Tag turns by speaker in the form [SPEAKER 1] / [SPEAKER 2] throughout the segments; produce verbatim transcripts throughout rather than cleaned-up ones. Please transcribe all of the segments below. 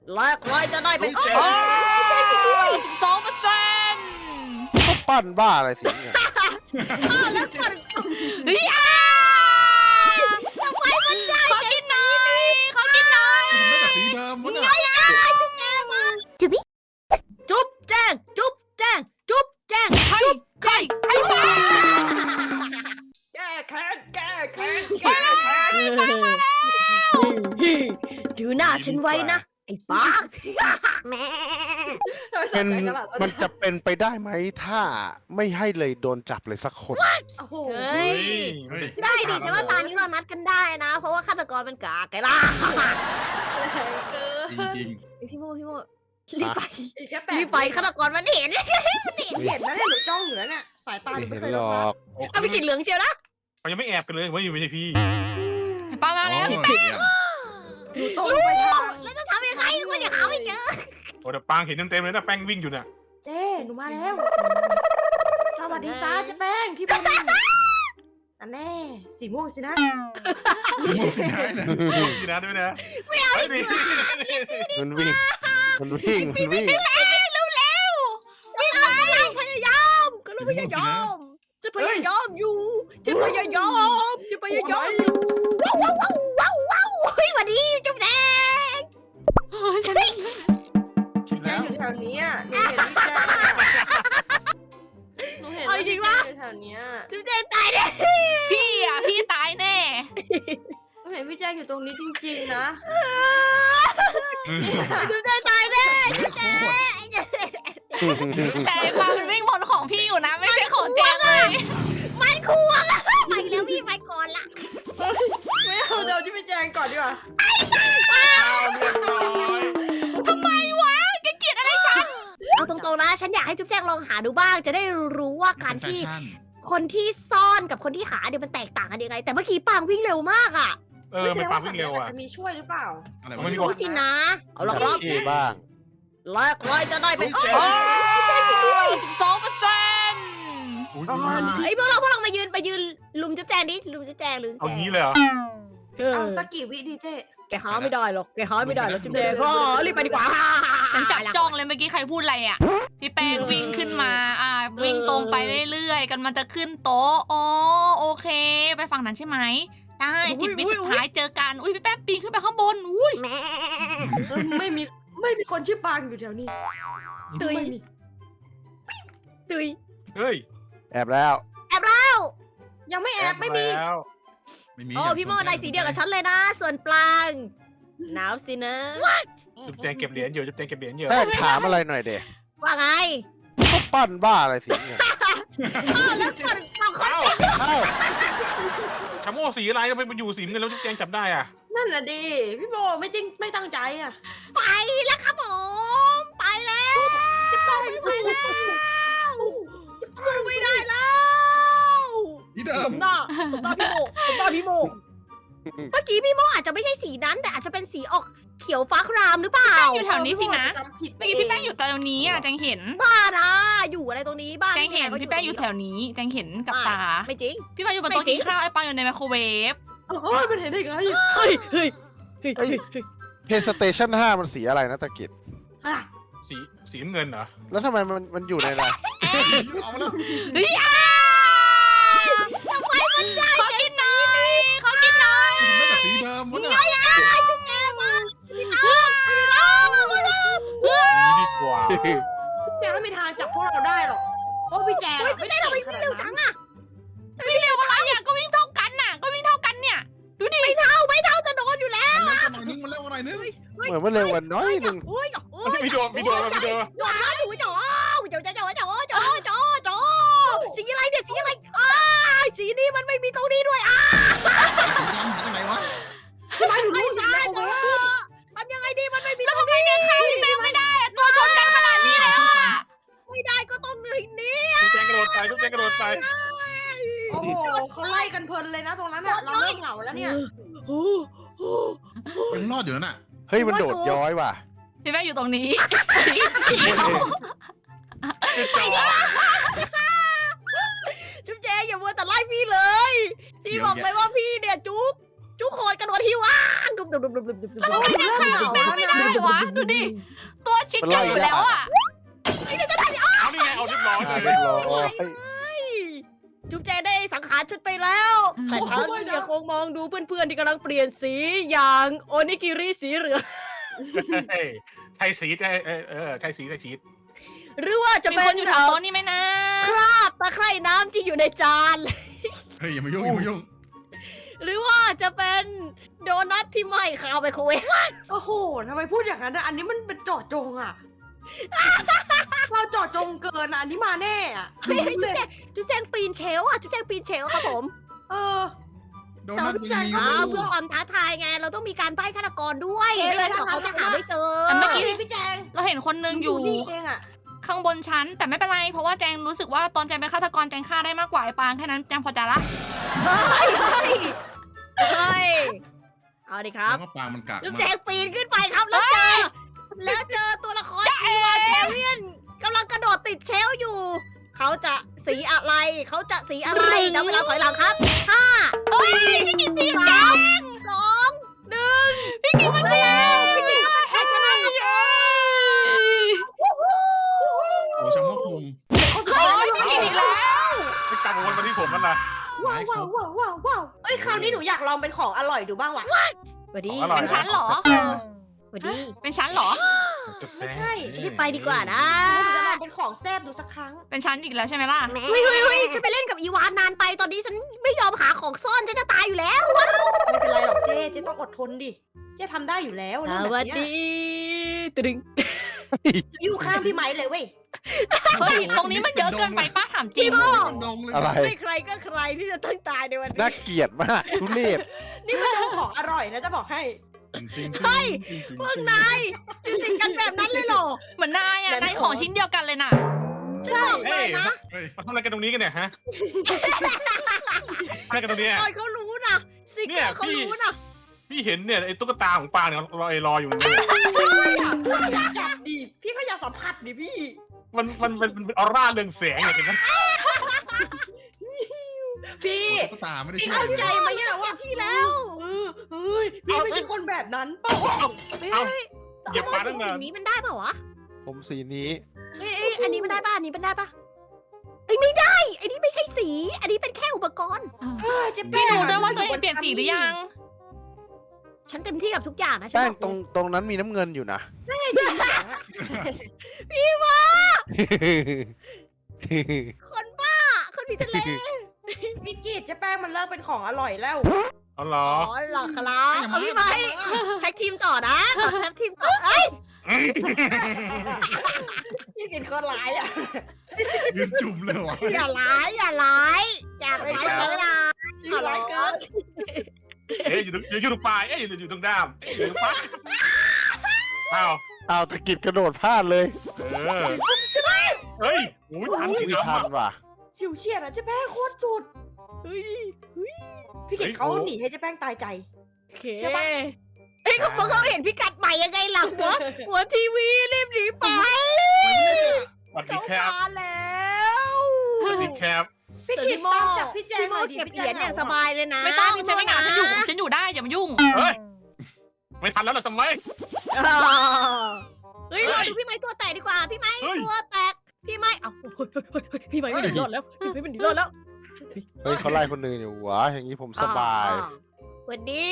[SPEAKER 1] และใครจะได้เป็น
[SPEAKER 2] โอ้
[SPEAKER 1] โอ้ย
[SPEAKER 2] สิบสองเปอร์เซ็นต์
[SPEAKER 3] ก็ปั้นบ้าอะไรสิเนี่ย
[SPEAKER 1] แล้วก่อน
[SPEAKER 2] เฮ้ยอ่ะ
[SPEAKER 1] ทำไมมันได้
[SPEAKER 2] ขอกินหน่อยขอกินหน่อย
[SPEAKER 4] ผมได้แต่สีเดิมวะเนี่ย
[SPEAKER 1] จุ๊บแจงมาจุ๊บจุ๊บแจงจุ๊บแจงจุ๊บแจง
[SPEAKER 2] ใครใครไอ้บ้า
[SPEAKER 1] แก้แค้นแก้แค้น
[SPEAKER 2] ไปเลย
[SPEAKER 1] ดูหน้าฉันไว้นะไอ้ป้าแม่
[SPEAKER 3] เป็นมันจะเป็นไปได้ไหมถ้าไม่ให้เลยโดนจับเลยสักคน
[SPEAKER 1] โอ้โห
[SPEAKER 2] เฮ้ย
[SPEAKER 4] เฮ้ย
[SPEAKER 1] ได้ดิฉันว่าตอนนี้เรานัดกันได้นะ เพราะว่าฆาตกรเป็นกากไงล่ะ
[SPEAKER 4] จริง
[SPEAKER 1] พี่โมพี่โมรีบไป
[SPEAKER 5] อีกแค่แป
[SPEAKER 1] รี
[SPEAKER 5] ด
[SPEAKER 1] บไปฆาตกรมันเห็น
[SPEAKER 5] เห็นนะเนี่ยหนูจ้องอยู่แล้วเนี่ยสายตาหนู
[SPEAKER 3] ไม่
[SPEAKER 5] ไม่
[SPEAKER 3] เห็
[SPEAKER 5] เคน ย
[SPEAKER 3] หร
[SPEAKER 5] ลดละ
[SPEAKER 3] อก
[SPEAKER 1] เอาไปกินเหลืองเชียวนะ
[SPEAKER 6] เขายังไม่แอบกันเลยว่าอยู่ไม่ใช่พี่
[SPEAKER 2] ป้า
[SPEAKER 4] ๆ
[SPEAKER 2] มาแล้ว
[SPEAKER 4] โอ้
[SPEAKER 2] พี่
[SPEAKER 4] ย
[SPEAKER 2] แป้ง
[SPEAKER 4] เยี่ยม
[SPEAKER 5] หนูตรงไปทาง
[SPEAKER 1] แล้วจะทำยังไงวะเนี่ยหาไม่เจอ
[SPEAKER 6] โอ้แต่ปางเห็นเต็มๆเลยนะแป้งวิ่งอยู่เนี่ย
[SPEAKER 5] เจ้หนูมาแล้ว สวัสดีจ้าเจ๊แป้งพี่บอลอันแน่สีม่วงสินะ
[SPEAKER 4] ม่วงสีได้เลย
[SPEAKER 6] ดูสินะด้วยนะไม่เอาดิ
[SPEAKER 3] มันวิ่ง มันวิ่ง มันวิ่ง
[SPEAKER 2] เร็วเร็ว
[SPEAKER 1] วิ่งไปพยายามก็เราพยายามจะพยายามอยู่จะพยายามจะพยายามอยู่ว้าวว้าวว้าวว้าวเฮ้ยวันนี้จุ๊บแดง
[SPEAKER 2] ฉัน
[SPEAKER 4] ชิม
[SPEAKER 5] แจ้
[SPEAKER 4] แล้ว
[SPEAKER 5] อยู่แถวนี้อ่ะหนูเห็นพี่แจ้หนูเห็นว่าพี่แจ้อยู่แถวเนี้ย
[SPEAKER 1] จุ๊บแดงตายเลย
[SPEAKER 2] พี่อ่ะพี่ตายแน่
[SPEAKER 5] หนูเห็นพี่แจ้อยู่ตรงนี้จริงๆนะ
[SPEAKER 1] จุ๊บแดงตายเลย
[SPEAKER 2] แต่ไอ้ปลามันวิ่งบนของพี่อยู่นะ ไม่ใช่ของแจงเลย
[SPEAKER 1] มันควงอะไปแล้วพี่ไปก่อนละ
[SPEAKER 5] ไม่เอาเดี๋ยวที่พี่แจ้ก่อนดีกว่า
[SPEAKER 6] เอาเรียบร้อย
[SPEAKER 2] ทำไมวะแกเกลียดอะไรฉัน
[SPEAKER 1] เอาตรงๆนะฉันอยากให้จุ๊บแจงลองหาดูบ้าง จะได้รู้ว่าการ
[SPEAKER 4] เป็นแฟ
[SPEAKER 1] ที่
[SPEAKER 4] ชั่น
[SPEAKER 1] คนที่ซ่อนกับคนที่หาเนี่ยมันแตกต่างกันยังไง แต่เมื่อกี้ปางวิ่งเร็วมากอะ
[SPEAKER 6] เออไม่ปางวิ่งเร็วอ่ะ
[SPEAKER 5] จะมีช่วยหรือเปล่า
[SPEAKER 4] อะไร
[SPEAKER 6] ไม่
[SPEAKER 4] วะ
[SPEAKER 6] มี
[SPEAKER 1] รู้สินะ เอาละครับ
[SPEAKER 3] ที่บ้าง
[SPEAKER 1] และใครจะได้เป็นโอ้
[SPEAKER 2] โอ้ยสิบสองเปอร์เซ็นต์
[SPEAKER 6] อุ๊ย
[SPEAKER 1] ไอ้ยพวกเราพวกเรามายืนไปยืนลุมจุ๊บแจงดิลุมจุ๊บแจงลุม
[SPEAKER 6] เอา
[SPEAKER 1] จุ๊บแจ
[SPEAKER 6] งี้
[SPEAKER 1] ง
[SPEAKER 6] เลยเหรอ
[SPEAKER 1] เออ
[SPEAKER 5] เอาสักกี่วิดีเจ
[SPEAKER 1] แกหาไม่ได้หรอกแกหาไม่ได้หรอกจุ๊บแจงก็รีบไปดีกว่า
[SPEAKER 2] ฉันจับจ้องเลยเมื่อกี้ใครพูดอะไรอ่ะ พี่แป้งวิ่งขึ้นมา อ่า วิ่งตรงไปเรื่อยๆ กันมันจะขึ้นโต๊ะ อ๋อ โอเค ไปฝั่งนั้นใช่ไหม ได้สิบวิสุดท้ายเจอกัน อุ้ยพี่แป้งปีนขึ้นไปข้างบน อุ้ย
[SPEAKER 5] ไม่มีไม่มีคนชื่อปางอยู่แถวนี้
[SPEAKER 1] ตุย
[SPEAKER 5] ไม่มี
[SPEAKER 1] ตุย
[SPEAKER 6] เฮ้ย
[SPEAKER 3] แอบแล้ว
[SPEAKER 1] แอบแล้ว
[SPEAKER 5] ยังไม่แอบไม่มี
[SPEAKER 6] แล้ว
[SPEAKER 4] ไม่มี
[SPEAKER 1] โอ้พี่โมนายสีเดียวกับฉันเลยนะ ส่วนปลางหนาวสินะ
[SPEAKER 6] จุ๊บแจงเก็บเหรียญอยู่จุ๊บแจงเก็บเหรียญอยู่
[SPEAKER 3] แป้งถามอะไรหน่อยเด็
[SPEAKER 1] ว่าไง
[SPEAKER 3] ก็ปั้นบ้าอะไรสิเนี่ย
[SPEAKER 1] อ้าวแล้วก่อนบางคน
[SPEAKER 6] เอ้า
[SPEAKER 3] เอ้า
[SPEAKER 6] ชะโม่สีอะไรทำไมมันอยู่สีเงินแล้วจุ๊บแจงจับได้อ่ะ
[SPEAKER 5] นั่นน่ะดิพี่โมไม่จริงไม่ตั้งใจอ่ะ
[SPEAKER 1] ไปแล้วครับผมไปแล้วจะต้องไปแล้วสู้ไม่ได้แล้ว
[SPEAKER 4] ที่เดิ
[SPEAKER 1] ส
[SPEAKER 4] ม
[SPEAKER 1] มหน้าสมหน้าพี่โมสมหน้าพี่โมเมื่อกี้พี่โมอาจจะไม่ใช่สีนั้นแต่อาจจะเป็นสีออกเขียวฟ้าครามหรือเปล่า
[SPEAKER 2] อยู่แถวนี้สินะ
[SPEAKER 5] จำผิด
[SPEAKER 2] เมื่อกี้พี่แป้งอยู่ตรงนี้อ่ะแจงเห็น
[SPEAKER 1] บ้านะอยู่อะไรตรงนี้บ้าง
[SPEAKER 2] แจงเห็นพี่แป้งอยู่แถวนี้แจงเห็นกับตา
[SPEAKER 1] ไม่จริง
[SPEAKER 2] พี่แป้งอยู่บนโต๊ะกินข้าวไอ้ปังอยู่ในไมโครเวฟ
[SPEAKER 5] โอ้ยมันเห็นได้ไง
[SPEAKER 1] เฮ้ยเฮ้ยเฮ้ย
[SPEAKER 3] เฮ้ย เพย์สเตชันห้ามันสีอะไรนะตะกิด
[SPEAKER 5] อ่ะ
[SPEAKER 6] สีสีน้ำเงินเหรอ
[SPEAKER 3] แล้วทำไมมันมันอยู่ในอะไร
[SPEAKER 4] เอามาแล้ว
[SPEAKER 2] เฮ้ยอ่ะทำไมมันได้ขอกินหน่อยขอกินหน่อย
[SPEAKER 4] ผมได้แต่สีเดิมวะเนี่ย
[SPEAKER 1] จุ๊บแจมาพี่น้องพี่น้อง
[SPEAKER 6] นี่ดีกว่า
[SPEAKER 5] แจไม่มีทางจับพวกเราได้หรอกเพราะพี่แจ
[SPEAKER 1] เฮ้ยจุ๊บแจเราไปวิ่งเร็วจังอะ
[SPEAKER 2] วิ่งเร็วอะไรอ่ะก็วิ่งเท่ากันน่ะ ก็วิ่งเท่ากันเนี่ย ดูดิ
[SPEAKER 1] ไม่เท่าไม่เท่าจะโดนอยู่แล้ว
[SPEAKER 4] มันเร็วกว่าหน่อยนึงมันเร็วกว่าหน่อยนึง
[SPEAKER 3] เหมือนมันเร็วกว่าน้อยหนึ่ง
[SPEAKER 1] โอ้ยโอ้ย
[SPEAKER 6] มีโดนมีโดนมีโดน
[SPEAKER 1] โดนนะดูจ๋อจ๋อจ๋อจ๋อจ๋อจ๋อจ๋อจ๋อสีอะไรเนี่ยสีอะไรอ้าสีนี้มันไม่มีตรงนี้ด้วยอ่ะ
[SPEAKER 4] สีดำหาจากไหนวะ
[SPEAKER 1] ไม่รู้จ้าจ๋อทำยังไงดีมันไม่มี
[SPEAKER 2] แล้ว
[SPEAKER 1] ตรง
[SPEAKER 2] ทำไม
[SPEAKER 1] นี้
[SPEAKER 2] เนี่ยฆ่าพี่แป้งไม่ได้อะตัวชนกันขนาดนี้แล้วอ่ะ
[SPEAKER 1] ไม่ได้ก็ต้องอย่างนี้
[SPEAKER 6] จุ๊บแจงกระโดดไปจุ๊บแจงกระโดดไป
[SPEAKER 5] โอ้โหเขาไล่กันเพลินเลยนะตรงนั้นอ่ะเราเริ่มเหงาแล้วเนี่ย
[SPEAKER 1] โอ้โห
[SPEAKER 4] ยังรอดอยู่นั่นน่ะ
[SPEAKER 3] เฮ้ยมันโดดย้อยว่ะ
[SPEAKER 2] พี่แป้งอยู่ตรงนี้
[SPEAKER 1] จุ๊บแจอย่ามัวแต่ไล่พี่เลยพี่บอกเลยว่าพี่เนี่ยจุ๊บทุกคนกระโดดหิวอ่ะ
[SPEAKER 2] แล้วทำไมแจงฆ่าพี่แป้งไม่ได้วะ ดูดิ ตัวชิดกันอยู่แล้วอ่ะ
[SPEAKER 6] เอานี่ไงเอาเรียบร้อย
[SPEAKER 3] อ่า
[SPEAKER 6] เล
[SPEAKER 3] เรีย
[SPEAKER 6] ย
[SPEAKER 3] บร้อย
[SPEAKER 1] จุ๊บแจงได้สังหารฉันไปแล้วแต่ฉันยังคงมองดูเพื่อนๆที่กำลังเปลี่ยนสีอย่างโอนิกิริสีเหลือง
[SPEAKER 6] เฮ้ยใช่สีใช่เออเออใช่สีใช่ชีส
[SPEAKER 1] หรือว่าจะ
[SPEAKER 2] มี
[SPEAKER 1] เป็
[SPEAKER 2] คน นอยู่แถวโต๊ะนี่ไหมนะ
[SPEAKER 1] คราบตะไคร่น้ำที่อยู่ในจาน
[SPEAKER 4] เฮ้ยอย่ามายุ่งอย่ามายุ่ง
[SPEAKER 1] หรือว่าจะเป็นโดนัทที่ไหม้คาวไปโคเวฟ
[SPEAKER 5] โอ้โหทำไมพูดอย่างนั้นอะอันนี้มันเป็นเจาะจงอะ เราเจาะจงเกินอะอันนี้มาแน่อะ
[SPEAKER 1] จุ๊บแจงจุ๊บแจงปีนเชลฟ์อ่ะจุ๊บแจงปีนเชลฟ์ครับผม
[SPEAKER 5] เออ
[SPEAKER 4] โดนัทยังมีอ
[SPEAKER 1] อ้าว
[SPEAKER 4] ยู่
[SPEAKER 1] เพื่อความท้าทายไงเราต้องมีการใบ้ฆาตกรด้วยไม่งั้นเดี๋ยวเขาจะหาไม่เจอ
[SPEAKER 2] แต่เมื่อกี้
[SPEAKER 5] พี่แจง
[SPEAKER 2] เราเห็นคนนึงอยู่
[SPEAKER 5] นี่เองอะ
[SPEAKER 2] ข้างบนชั้น แต่ไม่เป็นไร เพราะว่าแจงรู้สึกว่าตอนแจงเป็นฆาตกรแจงฆ่าได้มากกว่าไอ้ปางแค่นั้นแจงพอใจละ
[SPEAKER 1] เฮ้ยเฮ้ยเฮ้ยเอาดิครับ
[SPEAKER 4] แล้วก็ปางมันกาก
[SPEAKER 1] จุ๊บ
[SPEAKER 4] มา
[SPEAKER 1] แจ
[SPEAKER 4] ก
[SPEAKER 1] งปีนขึ้นไปครับแล้วเจอแล้วเจอตัวละครอีวาเทเรียนกำลังกระโดดติดเชลฟ์อยู่ เขาจะสีอะไร เขาจะสีอะไรนับเวลาถอยหลังครับห้า
[SPEAKER 2] เฮ้ยพี่กินทีมแจ
[SPEAKER 1] สาง มสองหนึ่ง
[SPEAKER 2] พี่กินมาแล้ว
[SPEAKER 1] พี่กินก็เป็นแพ้ชนะครับ
[SPEAKER 4] โอ้ชาโมกคง
[SPEAKER 2] เฮ้ยพี่กินอีกแล้ว
[SPEAKER 6] ไม่กลับวนมาที่ผมมันนะ
[SPEAKER 5] ว้าวว้าวว้าวว้าวว้าวเอ้ยคราวนี้หนูอยากลองเป็นของอร่อยดูบ้างว่ะ
[SPEAKER 1] สวัสดี
[SPEAKER 6] อร่อย
[SPEAKER 2] เป็นชั้นเหรอ
[SPEAKER 1] สวัสดี
[SPEAKER 2] เป็นชั้นเหรอ
[SPEAKER 5] ไม่ใช่
[SPEAKER 1] รีบไปดีกว่านะ
[SPEAKER 5] หนูจะลองเป็นของแซ่บดูสักครั้ง
[SPEAKER 2] เป็นชั้นอีกแล้วใช่ไหมล่ะ
[SPEAKER 1] เฮ้ยเฮ้ยเฮ้ยฉันไปเล่นกับอีวานนานไปตอนนี้ฉันไม่ยอมหาของซ่อนฉันจะตายอยู่แล้ว
[SPEAKER 5] ไม่เป็นไรหรอกเจ๊เจ๊ต้องอดทนดิ เจ๊ทำได้อยู่แล้วเรื่องแบบเนี้ย
[SPEAKER 1] ตึง
[SPEAKER 5] อยู่ข้างพี่ไม้เลยเว้ย
[SPEAKER 2] เฮ้ย ตรงนี้มันเยอะเกินไปป้าถามจริง
[SPEAKER 4] เป็นดงเลย
[SPEAKER 3] อะไร
[SPEAKER 1] ไม่ใครก็ใครที่จะต้องตายในวันนี้
[SPEAKER 3] น่าเกลียดมากทุเรศ
[SPEAKER 5] นี่มันเป็นของอร่อยนะจะบอกให้
[SPEAKER 1] เฮ้ยพวกนายอยู่ติดกันแบบนั้นเลยเหรอ
[SPEAKER 2] เหมือนนายอ่ะ นายของชิ้นเดียวกันเลยน่ะ
[SPEAKER 1] ฉันบอกเล
[SPEAKER 6] เฮ้ย
[SPEAKER 1] ยนะ
[SPEAKER 4] เฮ้ย
[SPEAKER 6] มาทำอะไรกันตรงนี้กันเนี่ยฮะอะไรกันตรงนี้
[SPEAKER 1] ตอนเขารู้นะสิก
[SPEAKER 6] เนี่ย
[SPEAKER 1] เขา
[SPEAKER 6] พี่
[SPEAKER 1] รู้นะ
[SPEAKER 6] พี่เห็นเนี่ยไอ้ตุ๊กตาของปางเนี่ยรอรออยู่นี่
[SPEAKER 5] อยากจับดิ พี่ก็อยากสัมผัสดิพี่
[SPEAKER 6] มันมันมันเป็นออร่าเรืองแสงเนี่ยเห็นไหม
[SPEAKER 5] พี่
[SPEAKER 4] ตุ๊กตาไม่ได้
[SPEAKER 5] พี่
[SPEAKER 4] ช่วย
[SPEAKER 5] เข้า
[SPEAKER 4] เลย
[SPEAKER 5] ใจไหมเนี่ยว่า
[SPEAKER 1] ที่แล้ว
[SPEAKER 5] เออเฮ้ย พี่ไม่ใช่คนแบบนั้นเปล่า
[SPEAKER 6] เอา
[SPEAKER 1] เฮ้ย
[SPEAKER 6] เหยียบปลาตั้งนาน
[SPEAKER 1] สิ่นี้มันได้ป่าวะ
[SPEAKER 3] ผมสีนี้
[SPEAKER 1] เอ้ยเอ้ยอันนี้มันได้ป่ะอันนี้มันได้ป่ะเอ้ยไม่ได้อันนี้ไม่ใช่สี อันนี้เป็นแค่อุปกรณ์
[SPEAKER 5] เออเจ๊
[SPEAKER 2] พี่
[SPEAKER 5] แป้ง
[SPEAKER 2] ดูด้วยว่าตัวเองเปลี่ยนสีหรือยัง
[SPEAKER 1] ฉันเต็มที่กับทุกอย่างนะฉัน
[SPEAKER 3] แป้ง
[SPEAKER 1] บอก
[SPEAKER 3] ตรงตรงนั้นมีน้ำเงินอยู่นะ
[SPEAKER 1] คนบ้า คนมีทะเล
[SPEAKER 5] พี่กีดเจ๊แป้งมันเลิกเป็นของอร่อยแล้ว
[SPEAKER 6] เอาเหร
[SPEAKER 1] อ๋
[SPEAKER 6] อ
[SPEAKER 1] อเหรอครับเอาพี่ไม้แท็กทีมต่อนะต่อแท็กทีมต่อเอ้ย
[SPEAKER 5] พี่กินคนร้ายอ่ะ
[SPEAKER 4] ยืนจุ่มเลยวะ
[SPEAKER 1] อย่าร้ายอย่าร้ายอย่าร้ายเลยนะ
[SPEAKER 5] พี่ร้ายเกิน
[SPEAKER 6] เอ๊ะอยู่ตรงอยู่ตรงปลายเอ๊ะอยู่อยู่ตรงด้ามเอ๊ะอยู่ตรงปลายอ้าว
[SPEAKER 3] เอาตะกิดกระโดดพลาดเลย
[SPEAKER 6] เออเฮ้ยโอ้ยทัน
[SPEAKER 3] อุ้
[SPEAKER 6] ถึ
[SPEAKER 3] ย
[SPEAKER 6] ง
[SPEAKER 3] ทั
[SPEAKER 6] อ่ะ
[SPEAKER 3] นว่ะ
[SPEAKER 5] ชิวเฉียดอ่ะเจ๊แป้งโคตรสุด
[SPEAKER 1] เฮ้ย
[SPEAKER 5] พี่กิด
[SPEAKER 6] เฮ้ย
[SPEAKER 5] เขา
[SPEAKER 6] โอ้
[SPEAKER 5] หนีให้เจ๊แป้งตายใจ
[SPEAKER 1] โอเคเฮ้ยเขาบอกเขาเห็นพิกัดใหม่ยังไงล่ะหัวหัวทีวีรีบหนีไป
[SPEAKER 6] สวัสดี
[SPEAKER 1] เขา
[SPEAKER 6] ครับ
[SPEAKER 1] มาแล้ว
[SPEAKER 6] สวัสดีครับ
[SPEAKER 5] พี่กิดตามจับพี่แจงหน่อยดิ
[SPEAKER 1] เก็บ
[SPEAKER 5] พี่
[SPEAKER 1] เห
[SPEAKER 5] แจ
[SPEAKER 1] รีย
[SPEAKER 5] ง
[SPEAKER 1] ญเนี่ยสบายเลยนะ
[SPEAKER 2] ไม่ต้องฉันไม่เหงาฉันอยู่ฉันอยู่ได้อย่ามายุ่ง
[SPEAKER 6] เฮ้ยไม่ทันแล้วเหรอทำไม
[SPEAKER 1] อ่าเฮ้ยรอดูพี่ไม้ตัวแตกดีกว่า พี่ไม้
[SPEAKER 6] เฮ้ย
[SPEAKER 1] ตัวแตก พี่ไม้เอ้าเฮ้ยเฮ้ยเฮ้ยเฮ้ยพี่ไม้ไม่หนีรอดแล้ว พี่ไม้ไม่หนีรอดแล้ว
[SPEAKER 3] เฮ้ยเขาไล่คนอื่นอยู่หวะอย่างนี้ผมสบาย
[SPEAKER 1] อ่สวัสดี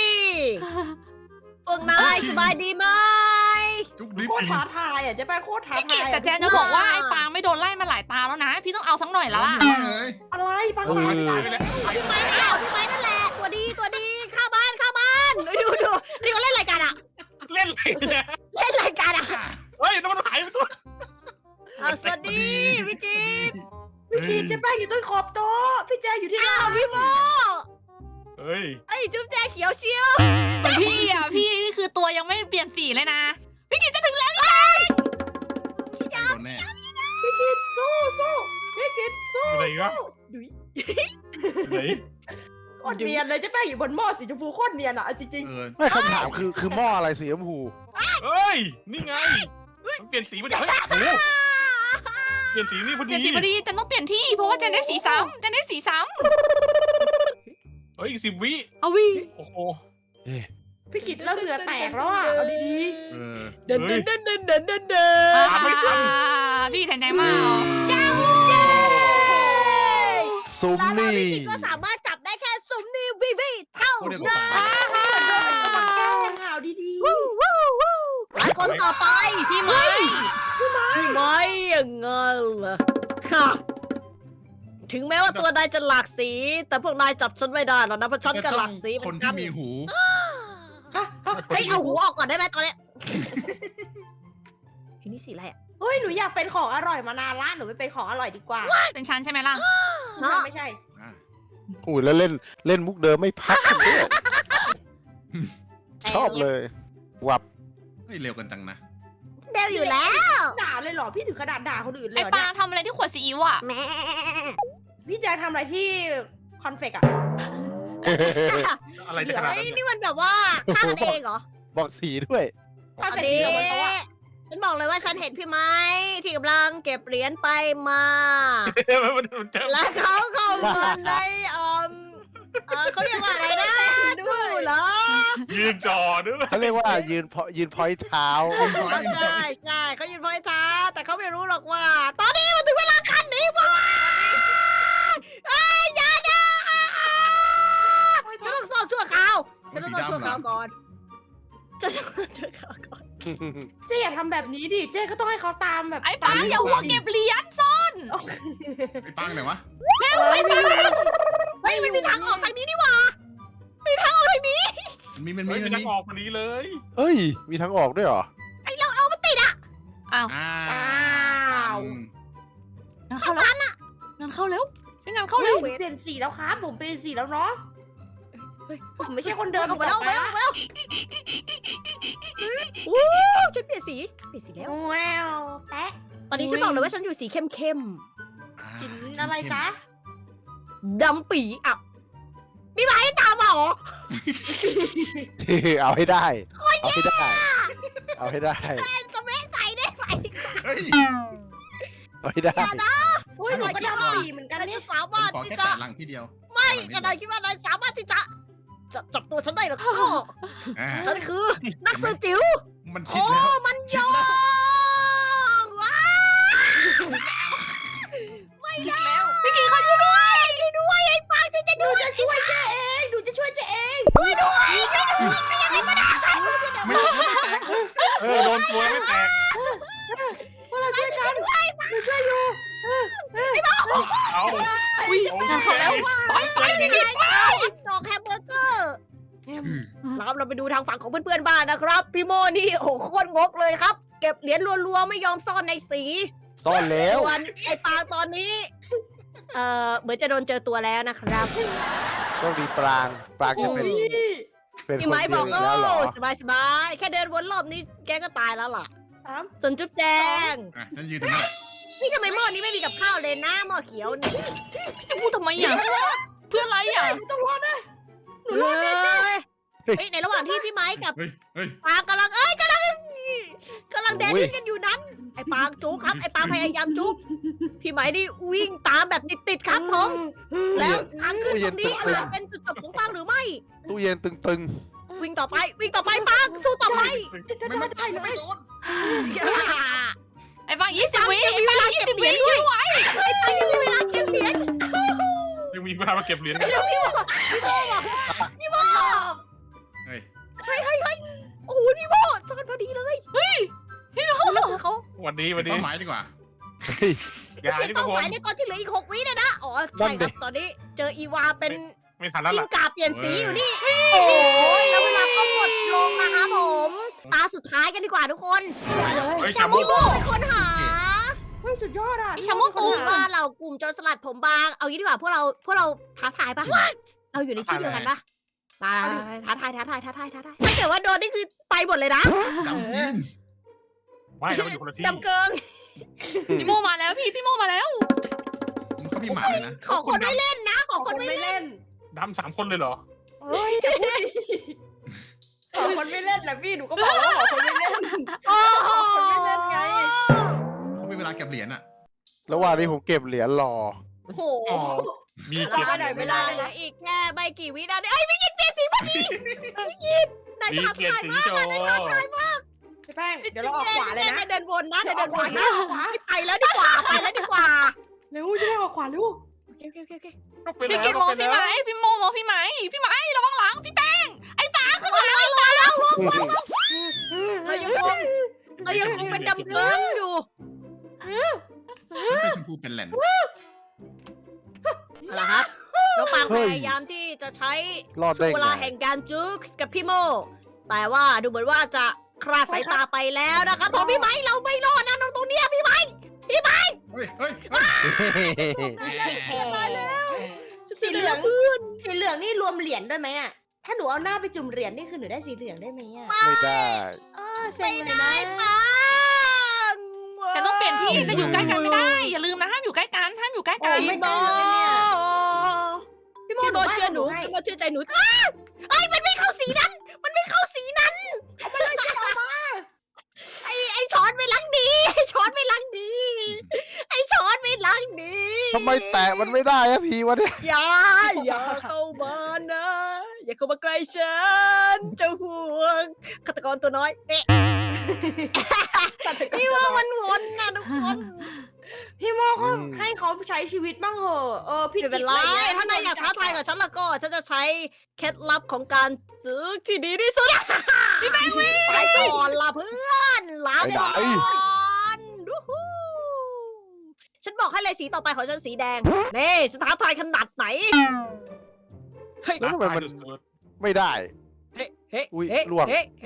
[SPEAKER 1] พวกนายสบายดีไหม
[SPEAKER 4] จุ๊บดิบ
[SPEAKER 5] โคตร
[SPEAKER 4] จริง
[SPEAKER 5] ท้าทายอ่ะเจ๊แป้งโคตรท้า
[SPEAKER 2] พี่กิ
[SPEAKER 5] ทา
[SPEAKER 2] ต
[SPEAKER 5] ย
[SPEAKER 2] แต่แจนจะบอกว่าไอ้ฟางไม่โดนไล่มาหลายตาแล้วนะ พี่ต้องเอาสักหน่อยแล้วล่ะ
[SPEAKER 4] ไม่เลย
[SPEAKER 5] อะไรปัง
[SPEAKER 3] เออ
[SPEAKER 5] ปัง
[SPEAKER 6] ตายไปแล้วตายไป
[SPEAKER 1] พี่ไม้
[SPEAKER 6] แล้ว
[SPEAKER 1] นั่นแหละพี่ไม้นั่นแหละ ตัวดีตัวดีเข้าบ้านเข้าบ้านดูดูดูนี่เขาเล่นรายการอะ
[SPEAKER 6] เล่นอะไรเนี่ย
[SPEAKER 1] เล่นรายการอะ
[SPEAKER 6] เฮ้ยต้องมันหายไปตัว
[SPEAKER 1] อ่ะสวัสดีพี่กิต
[SPEAKER 5] พี่กีเจ๊แป้งอยู่ต้นขอบโต๊ะพี่แจงอยู่ที่ห
[SPEAKER 1] อ้า
[SPEAKER 5] น้าว
[SPEAKER 1] พี่โม
[SPEAKER 6] เฮ้ย
[SPEAKER 1] ไอ้จุ๊บแจเขียวเชียว
[SPEAKER 2] แต่พี่อ่ะพี่นี่คือตัวยังไม่เปลี่ยนสีเลยนะ พี่กิตจะถึงแล้ว
[SPEAKER 4] โดนแน่
[SPEAKER 5] พี่กีสู้สู้พี่กีสู้
[SPEAKER 6] อะไรวะ
[SPEAKER 5] ดุย
[SPEAKER 6] ไหน
[SPEAKER 5] โคตรเนียนเลยเจ๊แป้งอยู่บนหม้อสีชมพูโคตรเนียนอ่ะเอาจริง
[SPEAKER 4] เออ
[SPEAKER 3] ไม่คำถามคือคือหม้ออะไรสีชมพู
[SPEAKER 6] เฮ้ยนี่ไงมันเปลี่ยนสีไปดิเฮ้ยโอ้โหเปลี่ยนสีนี่พอ
[SPEAKER 2] เปลี่
[SPEAKER 6] ดี
[SPEAKER 2] ยนสีพอดีแจนต้องเปลี่ยนที่เพราะว่าแจนได้สีซ้ำแจนได้สีซ้
[SPEAKER 6] เฮ้ยอีกสิบวิ
[SPEAKER 2] เอาวิ
[SPEAKER 6] โอ้โห
[SPEAKER 3] เอ๊ะ
[SPEAKER 5] พี่กิตเริ่มเหงื่อแตกแล้วอ่ะเอาดี
[SPEAKER 4] เออ
[SPEAKER 1] เดินเดินเดินเดินเดินเดินเดิน
[SPEAKER 2] อ่าพี่แทนใจมาก
[SPEAKER 3] ซุม
[SPEAKER 1] แล้วเรา
[SPEAKER 3] นี่
[SPEAKER 1] พี่กิตก็สามารถจับได้แค่ซุมนี่วีวีเท่า
[SPEAKER 4] โอ้เดี๋ยว
[SPEAKER 1] นั้
[SPEAKER 4] ก่อน
[SPEAKER 1] น
[SPEAKER 5] ๆมันแกล้งอ่ะเอาดี
[SPEAKER 1] วู้วู้วู้และคนต่อไป
[SPEAKER 2] พี่ไม้
[SPEAKER 1] พี่ไม้ยังไงล่ะฮะถึงแม้ว่าตัวนายจะหลากสี แต่พวกนายจับฉันไม่ได้หรอกนะเพราะฉันก็หลากสีเห
[SPEAKER 4] ค
[SPEAKER 1] มือน น
[SPEAKER 4] ที่
[SPEAKER 1] กัน
[SPEAKER 4] มีหู
[SPEAKER 5] ๆฮะฮะ
[SPEAKER 1] เฮ้ยเอาหูออกก่อนได้ไหมตอนเนี้ยเฮ้ยนี่สีอะไรอ่ะ
[SPEAKER 5] เฮ้ยหนูอยากเป็นของอร่อยมานานละหนูไปเป็นของอร่อยดีกว่า
[SPEAKER 2] เป็นชั้นใช่ไหมล่ะ
[SPEAKER 1] เนาะ
[SPEAKER 5] ไม่ใช่
[SPEAKER 4] อ่ะ
[SPEAKER 3] อุ้ยแล้วเล่นเล่นมุกเดิมไม่พักกันด้วยชอบเลย วับ
[SPEAKER 4] เฮ้ยเร็วกันจังนะ
[SPEAKER 1] เดวอยู่แล้ว
[SPEAKER 5] ด่าเลยเหรอพี่ถึงขนาดด่าคนอื่นเลย
[SPEAKER 2] ไอ้
[SPEAKER 5] เหรอ
[SPEAKER 2] ปลา
[SPEAKER 5] เนี่ย
[SPEAKER 2] ทำอะไรที่ขวดซีอิ๊วอ่ะ
[SPEAKER 1] แม่
[SPEAKER 5] พี่แจ๊คทำอะไรที่คอนเฟกอะ
[SPEAKER 6] อะไรจะขนาด
[SPEAKER 1] เฮ้ย
[SPEAKER 6] นั้น
[SPEAKER 1] นี่มันแบบว่าฆ่ากันเองเหรอ
[SPEAKER 3] บอกสีด้วย
[SPEAKER 5] คอน
[SPEAKER 1] อั
[SPEAKER 5] เฟ
[SPEAKER 1] น
[SPEAKER 5] ก
[SPEAKER 1] นี้
[SPEAKER 5] เดียวกันเพราะว่า
[SPEAKER 1] ฉันบอกเลยว่าฉันเห็นพี่ไม้ที่กำลังเก็บเหรียญไปมา
[SPEAKER 6] มันมันจะ
[SPEAKER 1] และเขาเข้ามาในเอ่อเออเขาเรียกว่าอะไรนะดูเหรอ
[SPEAKER 6] ยืนจอด้วย
[SPEAKER 3] เขาเรียกว่ายืนพอยืนพอยเท้า
[SPEAKER 1] ใช่ใช่เขายืนพอยท้าแต่เขาไม่รู้หรอกว่า ตอนนี้มันถึงเวลาคันหนี้พวกเอ้ยอย่านะฉันต้องซ่อนชั่วคราวฉันต้องซ่อนชั่วคราวก่อนฉันต้องซ่อนชั่วคราวก่อน
[SPEAKER 5] เจ๊อย่าทำแบบนี้ดิเจ๊ก็ต้องให้เขาตามแบบ
[SPEAKER 2] ไอ้ปลาอย่าหัวเก็บเหรียญซ่อน
[SPEAKER 4] ไอ้ปังไหนวะ
[SPEAKER 2] เร็วไอ้ปลา
[SPEAKER 1] เฮ้ยมันมีทางออกทางนี้นี่หว่ามีทางออกทางนี้
[SPEAKER 4] มีมันมี
[SPEAKER 6] เฮ้ย
[SPEAKER 4] มั
[SPEAKER 6] มัน น
[SPEAKER 4] มี
[SPEAKER 6] จะออกพอดีเลย
[SPEAKER 3] เฮ้ย มีทางออกด้วยเหรอ
[SPEAKER 1] ไอ้เราเอามันติดอ่ะ
[SPEAKER 2] อ้าว
[SPEAKER 4] อ้า
[SPEAKER 5] อ้าว
[SPEAKER 4] ว
[SPEAKER 2] งั้นเข้าแล้วงั้นเข้าเร็วงั้นเข้า
[SPEAKER 5] เฮ้
[SPEAKER 2] เร็
[SPEAKER 5] ยว เปลี่ยนสีแล้วครับผมเปลี่ยนสีแล้วเนาะผมไม่ใช่คนเดิม
[SPEAKER 1] ออกมาแล้วออกมาแล้วออกมาแล้ววู้ฉันเปลี่ยนสีเปลี่ยนสีแล้ว
[SPEAKER 5] แววแปะ
[SPEAKER 1] ตอนนี้ฉันบอกเลยว่าฉันอยู่สีเข้มเข้ม
[SPEAKER 5] สินอะไรจ๊ะ
[SPEAKER 1] ๆดำปีอ่ะมีไหมตามมาเหรอ
[SPEAKER 3] เอาให้ได้ เอาให้ได้ เอาให้ได้
[SPEAKER 1] จะไม่ใส่ได้ไหม
[SPEAKER 4] เฮ้ย
[SPEAKER 3] เอาให้ได้
[SPEAKER 5] อุ้ยหนูก็ดำปีเหมือนกัน
[SPEAKER 1] ฉัน
[SPEAKER 5] เนี่
[SPEAKER 1] จะ
[SPEAKER 5] ย
[SPEAKER 1] สา
[SPEAKER 4] ผม
[SPEAKER 1] มารถ
[SPEAKER 4] ขอ
[SPEAKER 1] ที่
[SPEAKER 4] แค่
[SPEAKER 1] จะ
[SPEAKER 4] แปะหลังที่เดียว
[SPEAKER 1] ไม่นายคิดว่านายสามารถที่จะจะจับตัวฉันได้หรอก็
[SPEAKER 4] อ่า
[SPEAKER 1] ฉันคือนักสืบจิ๋ว
[SPEAKER 4] มันชิด
[SPEAKER 1] โอ้
[SPEAKER 4] แล้ว
[SPEAKER 1] มันโยงว้าวไม่แล้ว
[SPEAKER 2] พี่กีเขาช่วยด้วย
[SPEAKER 1] ช่วยด้วยไอ้ปางช่วยจะ
[SPEAKER 5] หนู
[SPEAKER 1] ด้วย
[SPEAKER 5] จะช่วยเจ๊เองหนูจะช่วยเจ๊เอง
[SPEAKER 1] ช่วยด้วยช่วยด้วยไม่ยังไงก็ได้
[SPEAKER 4] ไม่ไม่แตก
[SPEAKER 6] เออโดนตัวไม่แตก
[SPEAKER 5] พวกเราช่วยกันหนูช่วยอยู่
[SPEAKER 6] เอา
[SPEAKER 2] อุ้ยงั้นเข้าแล้วไปไปพี่กีไป
[SPEAKER 1] ดอกแฮมเบอร์เกอร์แล้วครับเราไปดูทางฝั่งของเพื่อนๆบ้านนะครับ พี่โมนี่โอ้โหโคตรงกเลยครับ เก็บเหรียญรัวๆไม่ยอมซ่อนในสี
[SPEAKER 3] ซ่อนแล้ว
[SPEAKER 1] ส่วนไอ้ปางตอนนี้ เอ่อเหมือนจะโดนเจอตัวแล้วนะครับ
[SPEAKER 3] ต้องดีปราง ปรางจะเป็น เป็น
[SPEAKER 1] พี่
[SPEAKER 3] คน
[SPEAKER 1] ไม้บ
[SPEAKER 3] เดีย
[SPEAKER 1] อ
[SPEAKER 3] ว
[SPEAKER 1] ก
[SPEAKER 3] อี
[SPEAKER 1] โอ้
[SPEAKER 3] กแล้วเหรอ
[SPEAKER 1] สบายสบายๆแค่เดินวนรอบนี้แกก็ตายแล้วล่ะ
[SPEAKER 5] สาม
[SPEAKER 1] ส่วนจุ๊บแจง
[SPEAKER 4] อ่ะฉันยืนตรงนี้แหละ
[SPEAKER 1] นี่ทำไมหม้อนี้ไม่มีกับข้าวเลยนะหม้อเขียวนี่
[SPEAKER 2] จะพูดทำไมอ่ะเพื่ออะไรอ่ะ
[SPEAKER 5] หนูต้องรอดด้วย
[SPEAKER 1] หนูรอดแน่จ้ะเฮ้ยในระหว่างที่พี่ไม้กับ
[SPEAKER 4] เฮ้ยเฮ้ย
[SPEAKER 1] ปางกำลังเอ้ยกำลังกำลังแดนดิ้นกันอยู่นั้น ไอ้ปางจุกครับไอ้ปางพยายามจุกพี่ไม้นี่วิ่งตามแบบติดๆครับผมแล้วทางขึ้นตรงนี้อาจจะเป็นจุดจบของปางหรือไม่
[SPEAKER 3] ตู้เย็นตึง
[SPEAKER 1] วิ่งต่อไป วิ่งต่อไปปางสู้ต่อไป
[SPEAKER 4] ไม่ไม่ได้ไม่โดน
[SPEAKER 2] ไอ้ฟังยี่สิบวิไอ้ฟังยี่สิบวิช่วยไว้
[SPEAKER 1] เฮ้ยปางยังมีเวลาเก็บเหรียญ
[SPEAKER 6] ยังมีเวลามาเก็บเหรียญ
[SPEAKER 1] เดี๋ยวพี่บอกพี่บอกพี่บอก
[SPEAKER 4] เฮ้ย
[SPEAKER 1] โอ้โหพี่บอกจอนพอดีเลยเฮ้ยพี่บอกเขา
[SPEAKER 6] วันนี้
[SPEAKER 4] เป็
[SPEAKER 6] วัน
[SPEAKER 4] น
[SPEAKER 6] นี้
[SPEAKER 4] เป้าหมายดีกว่า
[SPEAKER 3] ๆเฮ้ย
[SPEAKER 6] อย่า
[SPEAKER 1] เป็น
[SPEAKER 6] ที่พวก
[SPEAKER 1] เป้า
[SPEAKER 6] ผ
[SPEAKER 1] ห
[SPEAKER 6] ม
[SPEAKER 1] มายในตอนที่เหลืออีกหกวินะนะอ๋อ
[SPEAKER 3] นั่
[SPEAKER 1] ใช่
[SPEAKER 3] น
[SPEAKER 1] ค
[SPEAKER 3] ดิ
[SPEAKER 1] รับตอนนี้เจออีวาเป็น
[SPEAKER 6] ไม่ทันแล้ว
[SPEAKER 1] กิ้ง
[SPEAKER 6] ล่ะ
[SPEAKER 1] ก่าเปลี่ยนสีอยู่นี่ โอ้ยแล้วเวลาก็หมดลงนะคะผม ตาสุดท้ายกันดีกว่าทุกคน
[SPEAKER 6] เฮ้ย
[SPEAKER 1] แช
[SPEAKER 6] ชาม โม
[SPEAKER 1] พี่โบเป็นคนหา
[SPEAKER 5] เฮ้ยสุดยอดอ่ะ
[SPEAKER 2] ไอ้ชาโมตู
[SPEAKER 1] ถือว่าเรากลุ่มโจรสลัดผมบาง เอางี้ดีกว่าพวกเราพวกเราท้าทายปะเราอยู่ในที่เดียวกันปะมาท้าทายท้าทายท้าทายท้าทายถ้าเกิดว่าโดนนี่คือไปหมดเลยนะ
[SPEAKER 4] ดำจริง
[SPEAKER 6] ไม่เราอยู่คนละที่
[SPEAKER 1] ดำเกิง
[SPEAKER 2] พี่โมมาแล้วพี่พี่โมมาแล้ว
[SPEAKER 4] เขามีหมาเลยนะ
[SPEAKER 1] ขอคนไม่เล่นนะ ขอ
[SPEAKER 5] ขอ
[SPEAKER 1] คน
[SPEAKER 5] คน
[SPEAKER 1] ไม่
[SPEAKER 5] ไม่
[SPEAKER 1] เล่น
[SPEAKER 5] เล่น
[SPEAKER 6] ดำสามคนเลยเหรอ
[SPEAKER 5] เฮ้ยอย่าพูดดิขอคนไม่เล่นแหละพี่หนูก็บอกแล้วว่าขอคนไม่เล่น
[SPEAKER 1] โอ้โห
[SPEAKER 5] คนไม่เล่นไง
[SPEAKER 4] เขามีเวลาเก็บเหรียญอ่ะ
[SPEAKER 3] ระหว่างนี้ผมเก็บเหรียญรอ
[SPEAKER 5] โอ้โห
[SPEAKER 6] มี
[SPEAKER 1] ต
[SPEAKER 6] เก็บ
[SPEAKER 1] อนไหนเวลาเหลืออีกแค่ไม่กี่วินาทีไอ้ยไม่กินเปลี่ยนสีพอดีไม่กินนาย
[SPEAKER 6] มี
[SPEAKER 1] ท้า
[SPEAKER 6] เก็บ
[SPEAKER 1] ทาย
[SPEAKER 6] สี
[SPEAKER 1] มาก
[SPEAKER 6] โจ
[SPEAKER 1] นายท้าทายมาก
[SPEAKER 5] เจ๊แป้งเดี๋ยวเราออกขวาเลยนะ
[SPEAKER 1] นายเดินวนนะนายเดินวนนะ
[SPEAKER 5] ออกขวา
[SPEAKER 1] ไปแล้วดีกว่าไปแล้วดีกว่า
[SPEAKER 5] เร็วเจ๊แป้งออกขวาเร็ว
[SPEAKER 1] โอเคโอเคโอเคโอเค
[SPEAKER 6] ก็ไป
[SPEAKER 2] พี่
[SPEAKER 6] แล้
[SPEAKER 2] กิ
[SPEAKER 6] วน
[SPEAKER 2] มอง
[SPEAKER 6] ก็ไป
[SPEAKER 2] พี่
[SPEAKER 6] แล้ว
[SPEAKER 2] ไหมพี่โมมองพี่ไหมพี่ไหมระวังหลังพี่แป้งไอ้ป๋าข้างหลัง
[SPEAKER 1] เรายังคงเรายังคงเป็นดำเกิงอยู่
[SPEAKER 4] เป็นชมพูเป็นแหลน
[SPEAKER 1] เอาละครับน้องปางพยายามที่จะใช้
[SPEAKER 3] รอด
[SPEAKER 1] ช่
[SPEAKER 3] ได้
[SPEAKER 1] วงเว
[SPEAKER 3] ไง
[SPEAKER 1] ลาแห่งการจุกส์กับพี่โมแต่ว่าดูเหมือนว่าจะคลาดสายตาไปแล้วนะครับผมพี่ไม้เราไม่รอดนะน้องตรงเนี้ยพี่ไม้
[SPEAKER 4] เฮ้ยเฮ้ยเฮ้ย
[SPEAKER 1] มาแล้ว
[SPEAKER 5] สีเหลืองสีเหลืองนี่รวมเหรียญด้วยไหมอ่ะถ้าหนูเอาหน้าไปจุ่มเหรียญนี่คือหนูได้สีเหลืองได้ไหมอ่ะ
[SPEAKER 3] ไม่ได้
[SPEAKER 5] เออเซ็
[SPEAKER 1] ไม่
[SPEAKER 5] งเลย
[SPEAKER 1] ได้
[SPEAKER 5] นะ
[SPEAKER 1] ปัง
[SPEAKER 2] แต่ต้องเปลี่ยนที่จะอยู่ใกล้กันไม่ได้อย่าลืมนะห้ามอยู่ใกล้กันห้ามอยู่ใกล้กัน
[SPEAKER 1] พี่โม
[SPEAKER 5] พี่โม
[SPEAKER 1] พี่โมเชื่อหนูพี่โมเชื่อใจหนูอ้าไอ้ยมันไม่เข้าสีนั้น มันไม่เข้าสีนั้นไอ้ไอ้ช้อนไม่ล้างดีไอ้ช้อนไม่ล้างดีไอ้ช้อนไม่ล้างดี
[SPEAKER 3] ทำไมแตะมันไม่ได้อะพีวะเนี่ย
[SPEAKER 1] อย่าอย่าเข้ามานะ อย่าเข้ามาใกล้ฉันเจ้าห่วงฆาตกรตัวน้อยเอ๊ะนี่ว่ามันวนนะทุกคน
[SPEAKER 5] พี่โมเขาให้เขาใช้ชีวิตบ้างเหอะเออพี่
[SPEAKER 1] ไม่เป็นไรถ้านายอยากท้าทายกับฉันแล้วก็ฉันจะใช้เคล็ดลับของการซื้อที่ดีที่สุดพี่แบงค์วิ่งไปก่อนล่ะเพื่อนลาก่อนดูฮู้ฉันบอกให้เลยสีต่อไปของฉันสีแดงนี่ฉันท้าทายขนาดไหนเฮ้ย
[SPEAKER 3] แล้วทำไมมัน
[SPEAKER 6] สุด
[SPEAKER 3] ไม่ได้
[SPEAKER 1] เฮ้เฮ้
[SPEAKER 3] อุ๊ย
[SPEAKER 1] เฮ้
[SPEAKER 3] ล่วง
[SPEAKER 1] เฮ้เฮ้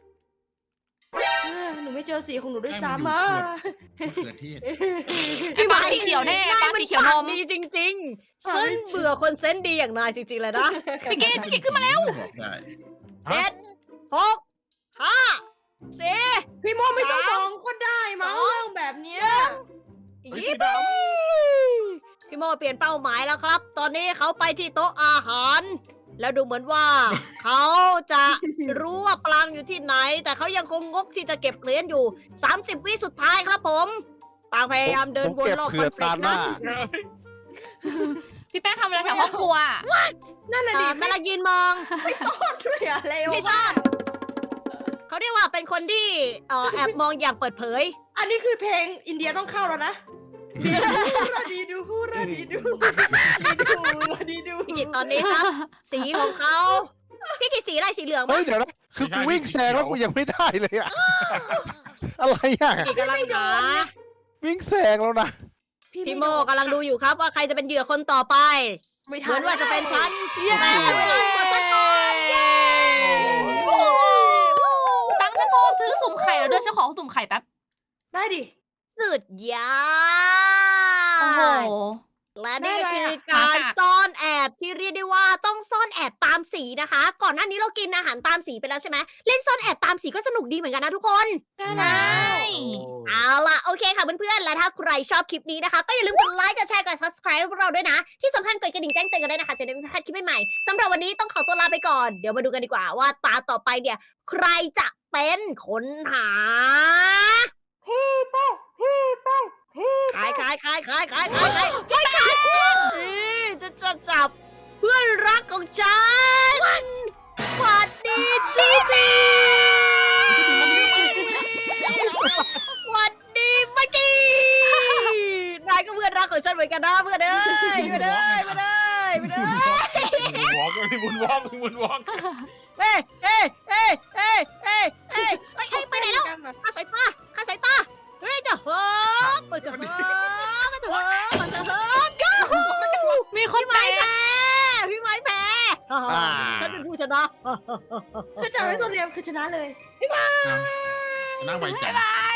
[SPEAKER 5] หนูไม่เจอสีของหนูด้วยซ้ำอ่ะ
[SPEAKER 4] มะเขือเทศ
[SPEAKER 2] ไอ้ป๋าสีเขียวแน่ป๋าสีเขียวนม
[SPEAKER 1] ดีจริงๆฉันเบื่อคนเซนส์ดีอย่างนายจริงๆเลยนะ
[SPEAKER 2] พี่กินพี่กินขึ้นมาแล้ว
[SPEAKER 4] บอกได้
[SPEAKER 1] เจ็ดหกห้าสี่
[SPEAKER 5] พี่โมไม่ต้องฟ้องก็ได้มั้งเรื่องแบบเนี้ย
[SPEAKER 1] ยี่ปีพี่โมเปลี่ยนเป้าหมายแล้วครับ ตอนนี้เขาไปที่โต๊ะอาหาร แล้วดูเหมือนว่า เขาจะรู้ว่าปลางอยู่ที่ไหน แต่เขายังคงงกที่จะเก็บเหรียญอยู่ สามสิบ วิสุดท้ายครับผมปางพยายามเดิน
[SPEAKER 3] ผม
[SPEAKER 1] วน
[SPEAKER 3] เก็บ
[SPEAKER 1] รอบ
[SPEAKER 3] เผื่
[SPEAKER 1] คอ
[SPEAKER 3] อน
[SPEAKER 1] เฟล
[SPEAKER 3] ตาก หน้า
[SPEAKER 1] นะ
[SPEAKER 2] พี่แป้งทำอะไรแถวห้องครัว
[SPEAKER 5] นั่นน่ะ
[SPEAKER 1] อ่า
[SPEAKER 5] ดิ
[SPEAKER 1] กำลังยืนมอง
[SPEAKER 5] ด้วยอะเร็ว
[SPEAKER 1] พี่ซ่อนเขาเรียกว่าเป็นคนที่เอ่อแอบมองอย่างเปิดเผย
[SPEAKER 5] อันนี้คือเพลงอินเดียต้องเข้าแล้วนะราดีดูราดีดูราดีดู
[SPEAKER 1] พี่กิตตอนนี้ครับ สีของเขาพี่กิตสีอะไรสีเหลือง
[SPEAKER 3] เฮ้
[SPEAKER 1] ปะ
[SPEAKER 3] ยเดี๋ยวนะ คือกูวิ่งแซงแล้วกูยังไม่ได้เลยอะอะไรอะ
[SPEAKER 1] พี่กิตกำลังหา
[SPEAKER 3] วิ่งแซงแล้วนะ
[SPEAKER 1] พี่โมกำลังดูอยู่ครับว่าใครจะเป็นเหยื่อคนต่อไป
[SPEAKER 5] ไม่
[SPEAKER 1] เห
[SPEAKER 5] ทั
[SPEAKER 1] มือน นว่าจะเป็นฉัน
[SPEAKER 2] เย้
[SPEAKER 1] แต่เวลาหมดซะก่อนเย้
[SPEAKER 2] ตั้งฉันโทรซื้อสุ่มไข่แล้วด้วยฉันขอสุ่มไข่แป๊บ
[SPEAKER 5] ได้ดิ
[SPEAKER 1] สุดยอ
[SPEAKER 2] โอ้โห
[SPEAKER 1] ดและนี่ก็คือการซ่อนแอบที่เรียกได้ว่าต้องซ่อนแอบตามสีนะคะ ก่อนหน้านี้เรากินอาหารตามสีไปแล้วใช่ไหมเล่นซ่อนแอบตามสีก็สนุกดีเหมือนกันนะทุกคน
[SPEAKER 5] ใช่แล้ว
[SPEAKER 1] เอาล่ะโอเคค่ะเพื่อนๆและถ้าใครชอบคลิปนี้นะคะ ก็อย่าลืมกดไลค์กดแชร์กด subscribe พวกเราด้วยนะ ที่สำคัญกดกระดิ่งแจ้งเตือนกันด้วยนะคะจะได้ไม่พลาดคลิปใหม่ๆสำหรับวันนี้ต้องขอตัวลาไปก่อนเดี๋ยวมาดูกันดีกว่าว่าตาต่อไปเนี่ย ใครจะเป็นคนหา
[SPEAKER 5] พี่แป้งพี่แป้งพี่
[SPEAKER 1] ขายขายขายขายขายขายขายไม่ใช่นี่จะจะจับเพื่อนรักของฉันสวัสดีจีบีสวัสดีเมื่อกี้นายก็เพื่อนรักของฉันเหมือนกันนะเพื่อนเอ้ยเพื่อนเอ้ยเพื่อนเอ้ยเพื่อนเอ้ย
[SPEAKER 6] วอล์กมีบุญวอล์กมีบุญวอล์ก
[SPEAKER 1] เอ้ยเอ้ยเอ้ยเอ้ยเอ้ยเอ้ยเอ้ยไปไหนแล้วข้าสายตาข้าสายตาเฮ้ยจะเฮ้ยไปจะเฮ้ยไปจะเฮ้ยไปจะเฮ้ยยูฮู
[SPEAKER 2] มีคน
[SPEAKER 1] พี่ไม้
[SPEAKER 2] เตะ
[SPEAKER 1] แพ้พี่ไม้แพ้ฉันเป็นผู้ชนะ
[SPEAKER 5] คือจากนั้นตัวเรียมคือชนะเลย
[SPEAKER 4] นั่งไวจัง
[SPEAKER 2] บาย